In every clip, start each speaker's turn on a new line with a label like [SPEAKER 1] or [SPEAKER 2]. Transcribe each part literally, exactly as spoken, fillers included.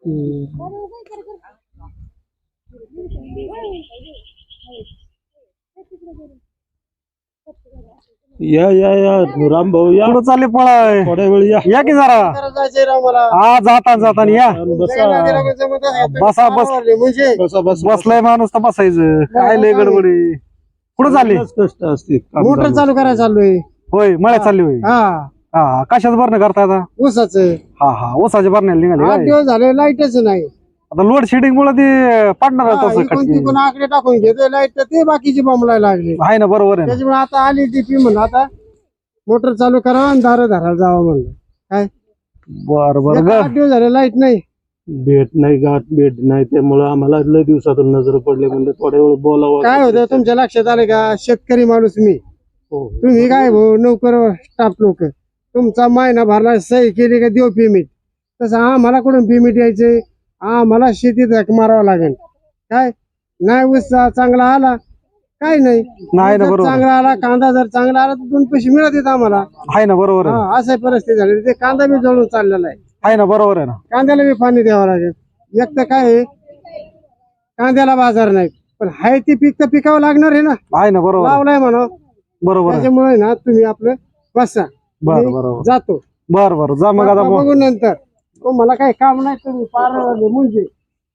[SPEAKER 1] या या या राम भाऊ या.
[SPEAKER 2] कुठं चालले पळाय?
[SPEAKER 1] थोड्या वेळ या.
[SPEAKER 2] या की जरा. हा जाता जाता या.
[SPEAKER 1] बसा
[SPEAKER 2] बसा बस
[SPEAKER 1] बसा बस
[SPEAKER 2] बसलाय माणूस तर बसायचं. काय लय गडबडी. कुठं चालली?
[SPEAKER 1] कष्ट असते.
[SPEAKER 3] मोटर चालू करायला चाललोय.
[SPEAKER 2] होय मळ्यात चालली होय.
[SPEAKER 3] हा
[SPEAKER 2] हा कशाच भरणं करता आता?
[SPEAKER 3] ऊसाच
[SPEAKER 2] हा हा ऊसाच्या भरण्याला निघाले
[SPEAKER 3] आठ
[SPEAKER 2] काय?
[SPEAKER 3] दिवस झाले लाईटच नाही.
[SPEAKER 2] आता लोड शेडिंग मुळे ते पडणार
[SPEAKER 3] हा,
[SPEAKER 2] तसं
[SPEAKER 3] इकडून
[SPEAKER 2] खटकी.
[SPEAKER 3] तिकडून आकडे टाकून घेतोय लाईट तर ते बाकीची बॉम्बलायला लागले.
[SPEAKER 2] आहे ना बरोबर आहे ना.
[SPEAKER 3] त्याच्यामुळे आता आली ती पी म्हणून आता मोटर चालू करावं आणि दारं धरायला जावं म्हणलं. काय
[SPEAKER 2] बर बर
[SPEAKER 3] एक आठ दिवस झाले लाईट नाही.
[SPEAKER 1] भेट नाही गाठ भेट नाही त्यामुळे आम्हाला लय दिवसातून नजर पडले म्हणजे थोड्या वेळ बोलावं.
[SPEAKER 3] काय होतं तुमच्या लक्षात आले का? शेतकरी माणूस मी,
[SPEAKER 1] हो.
[SPEAKER 3] तुम्ही काय भाऊ नोकर स्टाफ लोक, तुमचा महिना भरला सही केली का देऊ पेमेंट, तसं आम्हाला कुठून पेमेंट यायचे? आम्हाला शेतीत हाक मारावं लागेल. काय नाही ऊस चांगला आला काय नाही,
[SPEAKER 2] नाही ना
[SPEAKER 3] जर
[SPEAKER 2] बरोबर
[SPEAKER 3] चांगला आला कांदा जर चांगला आला तर दोन पैसे मिळत येत आम्हाला.
[SPEAKER 2] आहे ना बरोबर आहे.
[SPEAKER 3] हा असं परिस्थिती झाली. ते कांदा बी जळून चाललेला आहे.
[SPEAKER 2] आहे ना बरोबर आहे ना.
[SPEAKER 3] कांद्याला बी पाणी द्यावं लागेल. एक तर काय आहे, कांद्याला बाजार नाही, पण हाय ते पीक तर पिकावं लागणार आहे ना.
[SPEAKER 2] आहे ना बरोबर आहे.
[SPEAKER 3] लावलाय म्हणा.
[SPEAKER 2] बरोबर आहे.
[SPEAKER 3] त्याच्यामुळे ना तुम्ही आपलं बसा.
[SPEAKER 2] बर
[SPEAKER 3] मी
[SPEAKER 2] बरोबर.
[SPEAKER 3] जातो.
[SPEAKER 2] बर बर जा मग आता.
[SPEAKER 3] बघू नंतर. तो मला काही काम नाही, तुम्ही पार म्हणजे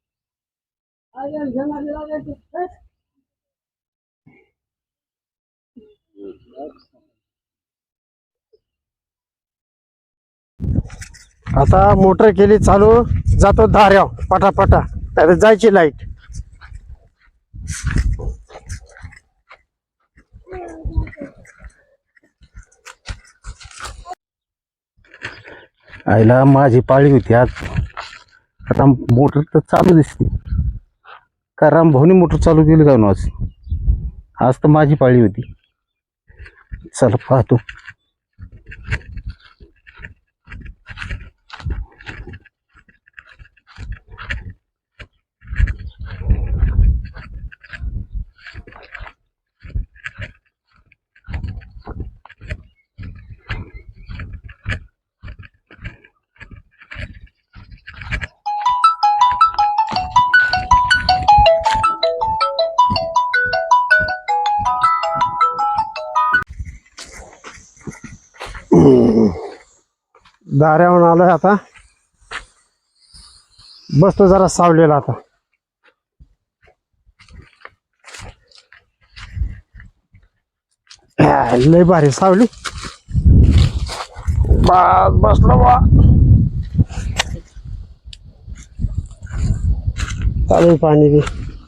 [SPEAKER 3] आता मोटर केली चालू, जातो धाऱ्याव पटापटा. त्यात जायची लाईट.
[SPEAKER 4] आईला माझी पाळी होती आज. आता मोटर तर चालू दिसते. का राम भाऊनी मोटर चालू केली का आज? आज तर माझी पाळी होती. चला पाहतो.
[SPEAKER 3] दाऱ्याहून आलोय आता. बसतो जरा सावलेला आता. लय भारी सावली. बस बसलो बा. चालू पाणी बी.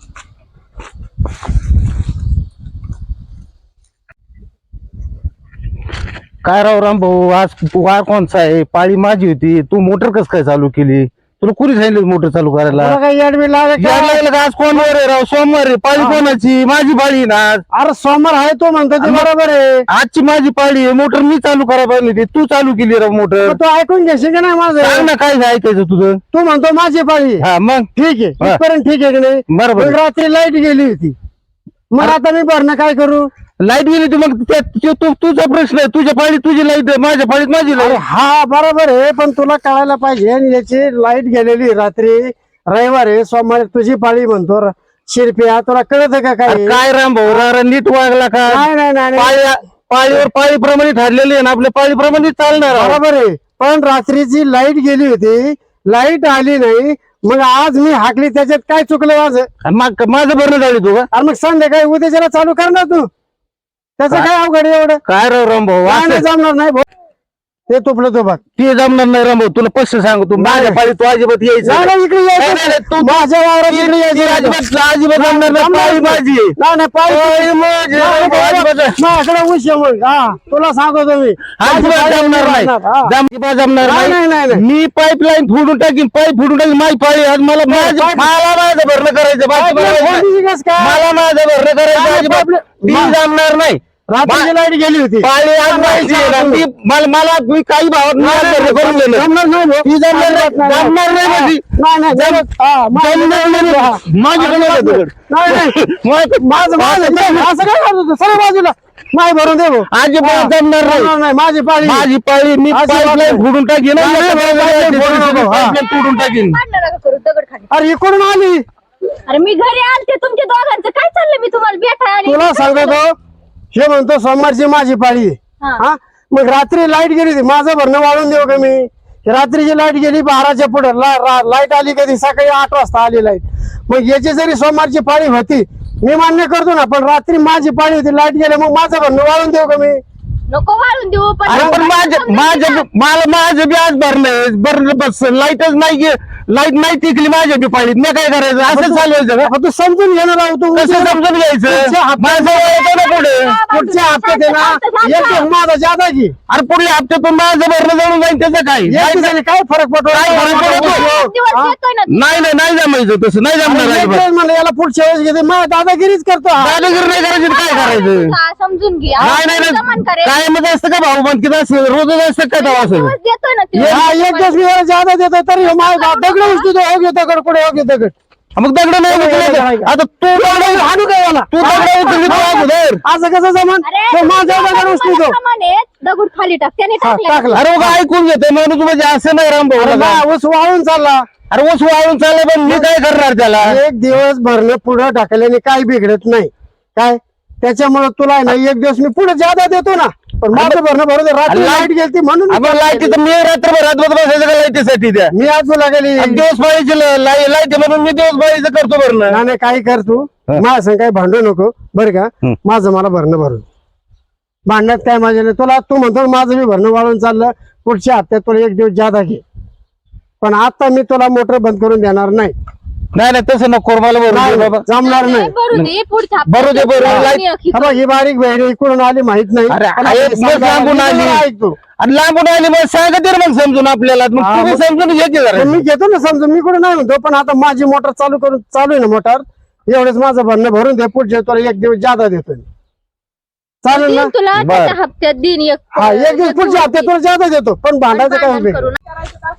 [SPEAKER 4] काय राव राम भाऊ, आज वार कोणचा आहे? पाळी माझी होती. तू मोटर कस काय चालू केली? तुला कुणी सांगितलं मोटर चालू करायला?
[SPEAKER 3] तुला काही येड बी लागलं
[SPEAKER 4] याड
[SPEAKER 3] का?
[SPEAKER 4] लागलं का? आज कोण वार आहे राव? सोमवार आहे. पाळी कोणाची? माझी पाळी आहे ना आज.
[SPEAKER 3] अरे सोमवार आहे तो म्हणतो ते बरोबर आहे.
[SPEAKER 4] आजची माझी पाळी आहे. मोटर मी चालू करायला पाहिजे होती. तू चालू केली राव मोटर.
[SPEAKER 3] मग तू ऐकून घेशील का नाही
[SPEAKER 4] सांग
[SPEAKER 3] माझं?
[SPEAKER 4] ना काय ऐकायचं तुझं?
[SPEAKER 3] तू म्हणतो माझी पाळी.
[SPEAKER 4] हा मग
[SPEAKER 3] ठीक आहे,
[SPEAKER 4] हा.
[SPEAKER 3] इथपर्यंत ठीक आहे की नाही?
[SPEAKER 4] बरोबर
[SPEAKER 3] पण रात्री लाईट गेली होती. मग आता मी भरणं काय करू?
[SPEAKER 4] लाईट गेली तू मग त्या- त्यो- तू तुझा प्रश्न आहे. तुझ्या पाळीत तुझी लाईट आहे, माझ्या पाळीत माझी
[SPEAKER 3] अरे
[SPEAKER 4] लाईट.
[SPEAKER 3] हा बरोबर आहे, पण तुला कळायला पाहिजे आणि याची लाईट गेलेली रात्री रविवार आहे, सोमवारी तुझी पाळी म्हणतो. र- शिरप्या तुला कळत का काय?
[SPEAKER 4] काय राम भाऊ रा नीट वागला का?
[SPEAKER 3] नाही नाही नाही नाही.
[SPEAKER 4] पाळी पाळीवर पाळीप्रमाणे ठरलेली आहे ना, आपल्या पाळीप्रमाणे चालणार आहे.
[SPEAKER 3] बरोबर आहे, पण रात्रीची लाईट गेली होती, लाईट आली नाही. मग आज मी हाकली, त्याच्यात काय चुकलं माझं?
[SPEAKER 4] आणि मग माझं भरणं झाली तू का?
[SPEAKER 3] अरे मग संध्याकाळी उद्याच्याला चालू करणार तू. त्याचं काय अवघड आहे एवढं?
[SPEAKER 4] काय राव राम भाऊ
[SPEAKER 3] काय
[SPEAKER 4] असं-
[SPEAKER 3] नाही जमणार नाही भाऊ. ते तुपलं तो बघ.
[SPEAKER 4] ते जमणार नाही राम भाऊ. तुला स्पष्ट सांगू, तू माझ्या पाळीत तू अजिबात यायचं
[SPEAKER 3] नाही,
[SPEAKER 4] नाही.
[SPEAKER 3] नाही, इकडे
[SPEAKER 4] नाही,
[SPEAKER 3] यायचं.
[SPEAKER 4] नाही, नाही, तू-
[SPEAKER 3] माझ्या वावरात
[SPEAKER 4] ती-
[SPEAKER 3] इकडे
[SPEAKER 4] ती
[SPEAKER 3] यायचं.
[SPEAKER 4] अजिबात अजिबात जमणार नाही.
[SPEAKER 3] जमणार
[SPEAKER 4] पाळी
[SPEAKER 3] नाही.
[SPEAKER 4] माझी आहे.
[SPEAKER 3] नाही नाही पाळी
[SPEAKER 4] पाळी माझी आहे.
[SPEAKER 3] नाही, नाही,
[SPEAKER 4] अजिबात-
[SPEAKER 3] माझ्याकडे ऊस आहे मग. हा तुला सांगतो मी
[SPEAKER 4] अजिबात जमणार नाही.
[SPEAKER 3] हा.
[SPEAKER 4] जम- अजिबात जमणार
[SPEAKER 3] नाही, नाही, नाही,
[SPEAKER 4] नाही.
[SPEAKER 3] नाही.
[SPEAKER 4] मी पाईपलाईन फोडून टाकीन, पाईप फोडून टाकीन. माझी पाळी आज मला माझं-
[SPEAKER 3] पाईप-
[SPEAKER 4] मला माझं भरणं करायचं. बाकी
[SPEAKER 3] पाईपलाईन
[SPEAKER 4] करायचं नाही.
[SPEAKER 3] फोडली कस काय?
[SPEAKER 4] मला माझं भरणं करायचं
[SPEAKER 3] नाही,
[SPEAKER 4] अजिबात.
[SPEAKER 3] पाईपलाईन-
[SPEAKER 4] ती
[SPEAKER 3] मा-
[SPEAKER 4] जमणार नाही.
[SPEAKER 3] रात्रीची लाईट गेली होती.
[SPEAKER 4] पाळी आज माझी आहे ना. ती मला मला मी काही भावात
[SPEAKER 3] नाही,
[SPEAKER 4] नाही
[SPEAKER 3] नाही,
[SPEAKER 4] भरणं करून दिलं.
[SPEAKER 3] जमणार नाही भाऊ.
[SPEAKER 4] ती जमणार नाही.
[SPEAKER 3] जमणार नाही.
[SPEAKER 4] जमणार नाही म्हणजे.
[SPEAKER 3] नाही नाही जमत- हा, माझं-
[SPEAKER 4] जमणार नाही.
[SPEAKER 3] हा.
[SPEAKER 4] माझ्याकडे नाही तुझ्याकडे.
[SPEAKER 3] नाही नाही
[SPEAKER 4] मग-
[SPEAKER 3] माझं माझं नाही, असं काय करतो तू? सरळ बाजूला नाही भरून दे भाऊ.
[SPEAKER 4] अजिबात जमणार नाही.
[SPEAKER 3] जमणार नाही, माझी पाळी.
[SPEAKER 4] माझी पाळी मी
[SPEAKER 3] अजिबात
[SPEAKER 4] पाईपलाईन
[SPEAKER 3] नाही.
[SPEAKER 4] फोडून टाकीन.
[SPEAKER 3] नाही, नाही, नाही, नाही, फोडू नको. हा.
[SPEAKER 4] पाईपलाईन तोडून टाकीन.
[SPEAKER 5] भांडण नका करू
[SPEAKER 3] अरे इकडून आली
[SPEAKER 5] अरे मी घरी आलते तुमच्या दोघांचं काय चाललंय मी तुम्हाला भेटायला आली.
[SPEAKER 3] तुला सांगतो हे म्हणतो सोमवारची माझी पाळी आहे.
[SPEAKER 5] हा.
[SPEAKER 3] हा मग रात्री लाईट गेली होती माझं भरणं वाढून देऊ का मी रात्रीची लाईट गेली बाराच्या पुढे लाईट आली कधी सकाळी आठ वाजता आली लाईट मग याची जरी सोमवारची पाळी होती मी मान्य करतो ना पण रात्री माझी पाळी होती लाईट गेली मग माझं भरणं वाढून देऊ का मी
[SPEAKER 5] नको वाळून देऊ पण
[SPEAKER 2] अरे पण माझं माझं मला माझं बी आज भरलं भरलं बस लाईटच नाही गे लाईट नाही टिकली माझ्या बी पाळीत मी काय करायचं असं चालवायचं का
[SPEAKER 3] मग तू समजून घेणार आहोत तू
[SPEAKER 2] कसं समजून घ्यायचं
[SPEAKER 3] पुढच्या हप्त्यात-
[SPEAKER 2] माझं वय येतं ना पुढे
[SPEAKER 3] पुढच्या हप्त्यात आहे ना एक एक माझा जादा की
[SPEAKER 2] अरे पुढल्या हप्त्यातून माझं भरणं जळून जाईल त्याचं काय
[SPEAKER 3] एक दिवसाने काय फरक पडतो
[SPEAKER 2] काय फरक पडतो?
[SPEAKER 5] दिवस
[SPEAKER 3] हा?
[SPEAKER 5] देतोय ना.
[SPEAKER 2] नाही नाही नाही जमायचं तसं नाही जमणार
[SPEAKER 3] एक
[SPEAKER 2] अजिबात.
[SPEAKER 3] दिवस म्हणलं याला पुढच्या वेळेस घेते मग दादागिरीच करतो हा.
[SPEAKER 2] दादागिरी नाही करायची तर काय करायचं
[SPEAKER 5] हा, समजून घे
[SPEAKER 2] नाही नाही
[SPEAKER 5] जमान
[SPEAKER 2] नाही
[SPEAKER 5] करेल.
[SPEAKER 2] काय मध्ये असतं का भाऊ बंद किती असतं रोजच असतं काय तेव्हा असं
[SPEAKER 5] दिवस देतोय ना ते.
[SPEAKER 3] हा एक दिवस मी याला जादा देतो तरी हे माझा दगड उचलतो हो घेतो दगड पुढे हो घेतो दगड
[SPEAKER 2] मग दगड नाही उचलायचं. आता तू दगड
[SPEAKER 3] हाणू काय याला
[SPEAKER 2] तू दगड उचलली तू अगोदर
[SPEAKER 3] असं कसं जमान
[SPEAKER 5] अरे,
[SPEAKER 3] तो माझा दगड
[SPEAKER 5] तुम्ही
[SPEAKER 3] उचलतो
[SPEAKER 5] मला सामान आहे, दगड खाली टाक त्याने
[SPEAKER 3] हा,
[SPEAKER 5] टाकला
[SPEAKER 3] टाकला
[SPEAKER 2] अरे मग ऐकून घेते माणूस म्हणजे असं नाही राम
[SPEAKER 3] अरे
[SPEAKER 2] भाऊ
[SPEAKER 3] बा, ऊस वाळून चालला
[SPEAKER 2] अरे ऊस वाळून चाललं पण मी काय करणार त्याला
[SPEAKER 3] एक दिवस भरणं पुढे टाकल्याने काही बिघडत नाही काय त्याच्यामुळे तुला आहे ना एक दिवस मी पुढे जादा देतो ना पण माझं भरणं भरून दे. रात्री
[SPEAKER 2] अरे,
[SPEAKER 3] लाईट गेली म्हणून
[SPEAKER 2] आपण लाईटी तर मी रात्रभर रात्रभर बसायचं का लाईटीसाठी त्या
[SPEAKER 3] मी आज तुला गेली
[SPEAKER 2] आणि दिवस पाळीची लाईट म्हणून मी दिवस पाळीचं करतो भरणं
[SPEAKER 3] नाही नाही, काही कर तू माझ्या संग काही भांडू नको बरं का
[SPEAKER 2] हं.
[SPEAKER 3] माझं मला भरणं भरून भांडण्यात काय माझ्या नाही तुला तू म्हणतो माझं मी भरणं वाढून चाललं पुढच्या हप्त्यात तुला एक दिवस जादा घे पण आता मी तुला मोटर बंद करून देणार नाही
[SPEAKER 2] नाही नाही तसं नको मला भरून
[SPEAKER 3] नाही,
[SPEAKER 2] दे बाबा
[SPEAKER 3] जमणार नाही
[SPEAKER 5] भरू दे पुढच्या
[SPEAKER 2] भरू दे, भरू दे.
[SPEAKER 5] हप्त्यात
[SPEAKER 2] लाईट-
[SPEAKER 5] मी
[SPEAKER 3] हा बघ, ही बारीक बहिणी इकडून आली माहित नाही
[SPEAKER 2] अरे,
[SPEAKER 3] पण
[SPEAKER 2] आहे,
[SPEAKER 3] आता
[SPEAKER 2] मग
[SPEAKER 3] सांगायला
[SPEAKER 2] लांबून
[SPEAKER 3] मी
[SPEAKER 2] आली.
[SPEAKER 3] तुला ऐकतो
[SPEAKER 2] आणि लांबून आली मग सांगा तर मग समजून आपल्याला मग
[SPEAKER 3] हा,
[SPEAKER 2] तुम्ही
[SPEAKER 3] मग-
[SPEAKER 2] समजून घे की जरा.
[SPEAKER 3] पण मी घेतो ना समजून मी कुठे नाही म्हणतो पण आता माझी मोटर चालू करून चालू आहे ना मोटर एवढेच माझं भरणं भरून दे पुढच्या तुला एक दिवस जादा देतो मी. चालेल ना
[SPEAKER 5] देईन तुला
[SPEAKER 2] बरं.
[SPEAKER 5] त्याच्या हप्त्यात दिन एक
[SPEAKER 3] हा एक दिवस पुढच्या हप्त्यात तुला जादा देतो पण भांडायचं काय
[SPEAKER 5] भांडण
[SPEAKER 3] उपयोग?
[SPEAKER 5] करू नका.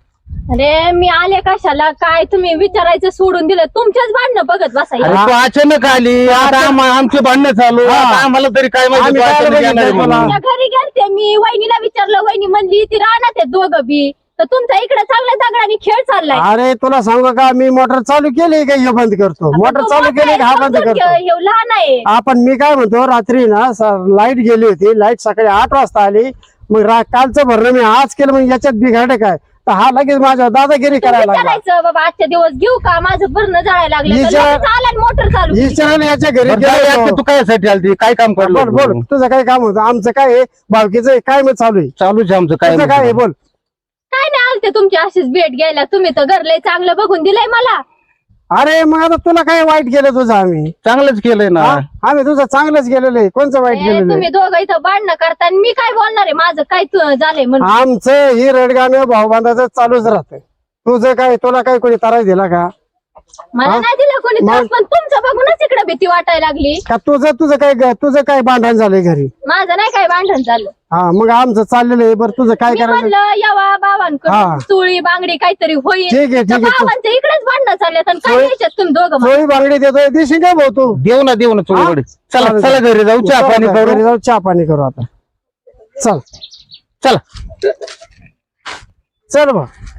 [SPEAKER 5] अरे मी आले कशाला काय तुम्ही विचारायचं सोडून दिलं तुमच्याच भांडणं बघत
[SPEAKER 2] अरे
[SPEAKER 5] बसायला
[SPEAKER 2] तू अचानक आली आता आम- आमचे भांडणं चालू
[SPEAKER 3] हा.
[SPEAKER 2] आता आम्हाला तरी काय माहिती
[SPEAKER 3] आम्ही
[SPEAKER 2] तू
[SPEAKER 3] काय
[SPEAKER 2] अचानक
[SPEAKER 3] बघितलं
[SPEAKER 2] येणार आहे
[SPEAKER 3] तुला?
[SPEAKER 2] म्हणून.
[SPEAKER 5] तुमच्या घरी गेलते मी वहिनीला विचारलं वहिनी म्हणली ती राहणार ते दोघं बी तर तुमचा इकडे चांगल्या दगडाने खेळ चाललाय
[SPEAKER 3] अरे तुला सांगू का मी मोटर चालू केली का हे बंद करतो मोटर
[SPEAKER 5] तो
[SPEAKER 3] चालू
[SPEAKER 5] मोठा
[SPEAKER 3] केली
[SPEAKER 5] आहे,
[SPEAKER 3] का हा बंद
[SPEAKER 5] समजून
[SPEAKER 3] करतो
[SPEAKER 5] घे, ह्यो लहान आहे
[SPEAKER 3] आपण मी काय म्हणतो रात्री ना लाईट गेली होती लाईट सकाळी आठ वाजता आली मग रा- कालचं भरणं मी आज केलं मग याच्यात बिघाडे काय तर हा लगेच माझ्या दादागिरी
[SPEAKER 5] तुम्ही
[SPEAKER 3] करायला लागला
[SPEAKER 5] विचारायचं बाबा आजच्या दिवस घेऊ का माझं भरणं जाळायला लागलं तर
[SPEAKER 3] विचार-
[SPEAKER 5] लगेच आला मोटर चालू केली.
[SPEAKER 3] विचाराने याच्या घरी
[SPEAKER 2] बरं, जाऊ दे,
[SPEAKER 3] गेलो.
[SPEAKER 2] आता तू काय साठी आलती काय काम
[SPEAKER 3] बोल बोल
[SPEAKER 2] करलो
[SPEAKER 3] तुझं काय काम होतं आमचं काय आहे भावकीचं काय मग चालू आहे
[SPEAKER 2] चालूच आहे आमचं काय
[SPEAKER 3] तुझं काय आहे बोल
[SPEAKER 5] काय नाही आलते तुमची अशीच भेट घ्यायला तुम्ही तर घर लय चांगलं बघून दिलंय मला
[SPEAKER 3] अरे मग आता तुला काय वाईट केलं तुझं आम्ही
[SPEAKER 2] चांगलंच केलंय ना
[SPEAKER 3] हा? आम्ही तुझं चांगलंच केलेलं आहे कोणचं वाईट
[SPEAKER 5] ए,
[SPEAKER 3] केलेलं
[SPEAKER 5] तुम्ही
[SPEAKER 3] आहे
[SPEAKER 5] दोघं इथं भांडणं करता आणि मी काय बोलणार आहे माझं काय तु- झालंय म्हणून
[SPEAKER 3] आमचं ही रडगाणं भाऊबांधाचं चालूच राहतं तुझं काय तुला काय कोणी त्रास दिला का
[SPEAKER 5] मला
[SPEAKER 3] हा?
[SPEAKER 5] नाही दिलं कोणी त्रास
[SPEAKER 3] मग?
[SPEAKER 5] पण तुमचं बघूनच इकडे भीती वाटायला लागली
[SPEAKER 3] का तुझं तुझं काय तुझं काय भांडण झालंय घरी
[SPEAKER 5] माझं नाही काय भांडण झालं
[SPEAKER 3] हा मग आमचं चाललेलं आहे बरं तुझं काय
[SPEAKER 5] मी
[SPEAKER 3] करायचं
[SPEAKER 5] म्हणलं यावा
[SPEAKER 3] हा.
[SPEAKER 5] बाबांकडून चुळी बांगडी काहीतरी होईल
[SPEAKER 3] ठीक आहे, ठीक
[SPEAKER 5] तर
[SPEAKER 3] आहे.
[SPEAKER 5] बाबांच्या इकडेच भांडणं चालल्यात आणि काय
[SPEAKER 3] चोळी-
[SPEAKER 5] द्यायच्यात तुम्ही दोघं मला?
[SPEAKER 3] चोळी बांगडी देतोय दिशी काय भाऊ तू
[SPEAKER 2] देऊ ना देऊ ना चोळीकडे चला
[SPEAKER 3] चालेल.
[SPEAKER 2] चला घरी जाऊ चहा पाणी
[SPEAKER 3] घरी
[SPEAKER 2] करू
[SPEAKER 3] जाऊ चहा पाणी करू आता चल
[SPEAKER 2] चला
[SPEAKER 3] चल बा